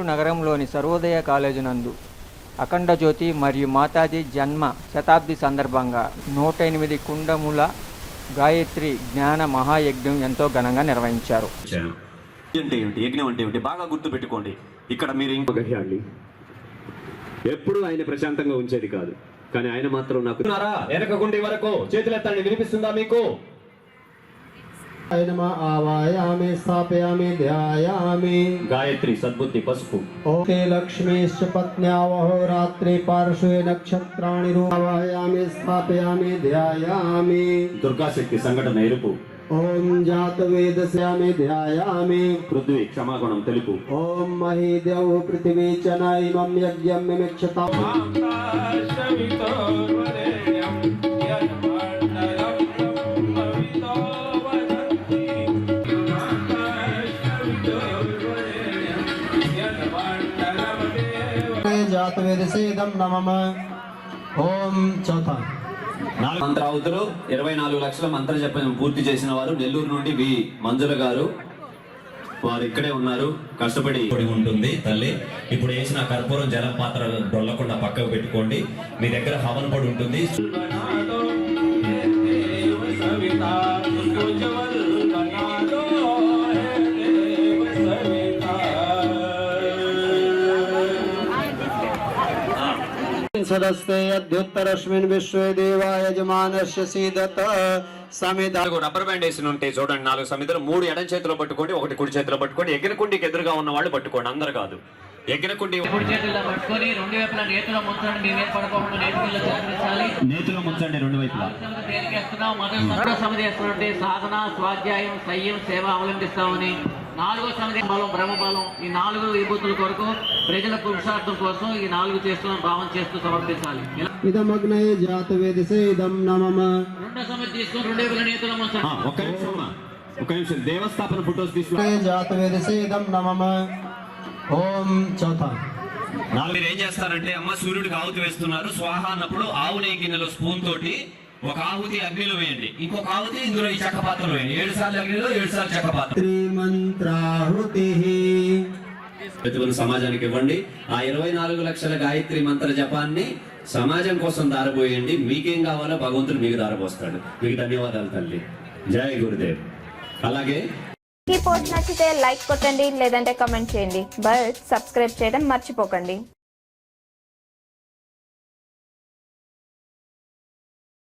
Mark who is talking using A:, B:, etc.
A: నగరంలోని సర్వోదయ కాలేజీ నందు అఖండ జ్యోతి మరియు మాతాజీ జన్మ శతాబ్ది సందర్భంగా 108 కుండముల గాయత్రి జ్ఞాన మహాయజ్ఞం ఎంతో ఘనంగా నిర్వహించారు.
B: యజ్ఞం అంటే ఏమిటి బాగా గుర్తు పెట్టుకోండి. ఇక్కడ మీరు
C: ఎప్పుడు ఆయన ప్రశాంతంగా ఉంచేది కాదు, కానీ ఆయన మాత్రం నాకు
B: వెనకగుండి వరకు చేతులెత్తండి. వినిపిస్తుందా మీకు?
D: ఆవాయామి స్థాపయామి ధ్యాయామి
B: గాయత్రి సద్బుద్ధి పసుపు.
D: ఓకే లక్ష్మీశ్చ పత్న్యావహోరాత్రి పార్శ్వే నక్షత్రాణి ఆవాయామి స్థాపయామి ధ్యాయామి
B: దుర్గాశక్తి సంఘటన ఎరుపు.
D: ఓం జాతవేదస్యామి ధ్యాయామి
B: పృథ్వీ క్షమాగుణం తెలుపు.
D: ఓం మహీదేవ పృథివీ చ నైమం యజ్ఞం మిమిక్షతాం జాతవేదసేదం నమః. ఓం చౌథ
B: మంత్రావతులు 24 లక్షల మంత్ర జపం పూర్తి చేసిన వారు నెల్లూరు నుండి వి మంజుల గారు, వారు ఇక్కడే ఉన్నారు. కష్టపడి ఉంటుంది తల్లి. ఇప్పుడు వేసిన కర్పూరం జలం పాత్ర డొల్లకుండా పక్కకు పెట్టుకోండి. మీ దగ్గర హవన్ పొడి ఉంటుంది.
D: సదస్తే అద్యుత్తరస్మిన్ విశ్వే దేవా యజమానస్య సీదత సమిద.
B: రబ్బర్ బ్యాండ్ వేసి ఉంటే చూడండి 4 సమిధలు. 3 ఎడం చేతిలో పట్టుకోండి, 1 కుడి చేతిలో పట్టుకోండి. ఎగినకుండికి ఎదురుగా ఉన్న వాళ్ళు పట్టుకోండి, అందరు కాదు. ఎగినకుండి
E: కుడి చేతిలో పట్టుకొని 2 వైపులా నేతిలో ముంచండి. మీ మీద పడుకోకుండా నేతిలో చక్రించాలి.
B: నేతిలో ముంచండి 2 వైపులా.
E: మొదటి సమిధి వేస్తున్నట్టు సాధన, స్వాధ్యాయం, సంయం, సేవ అవలంబిస్తామని. 4వ సమిధి బలం, బ్రహ్మబలం. ఈ 4 విభూతుల కొరకు ప్రజల పురుషార్థం కోసం ఈ 4 చేస్తున్న భావం చేస్తూ సమర్పించాలి.
D: ఇదమగ్నయే జాతవేదసే ఇదం నమః.
E: 2వ సమిధి తీసుకొని 2 వైపుల నేతిలో ముంచండి.
B: ఒక నిమిషం దేవస్థాపన ఫోటోస్ తీసుకుని
D: జాతవేదసే ఇదం నమః. ఓం చౌథ.
B: మీరు ఏం చేస్తారంటే అమ్మ సూర్యుడికి ఆహుతి వేస్తున్నారు. స్వాహ అన్నప్పుడు ఆవు నెయ్యి గిన్నెలో స్పూన్ తోటి ఒక ఆహుతి అగ్నిలో వేయండి, ఇంకొక ఆహుతి ఇందులో ఈ చెక్క పాత్రలో వేయండి. 7 సార్లు అగ్నిలో 7 సార్లు చెక్క పాత్ర. సమాజానికి ఇవ్వండి. ఆ 24 లక్షల గాయత్రి మంత్ర జపాన్ని సమాజం కోసం దారబోయండి. మీకేం కావాలో భగవంతుడు మీకు దారబోస్తాడు. మీకు ధన్యవాదాలు తల్లి. జై గురుదేవ్. అలాగే
F: ఈ పోస్ట్ నచ్చితే లైక్ కొట్టండి, లేదంటే కమెంట్ చేయండి. బట్ సబ్స్క్రైబ్ చేయడం మర్చిపోకండి.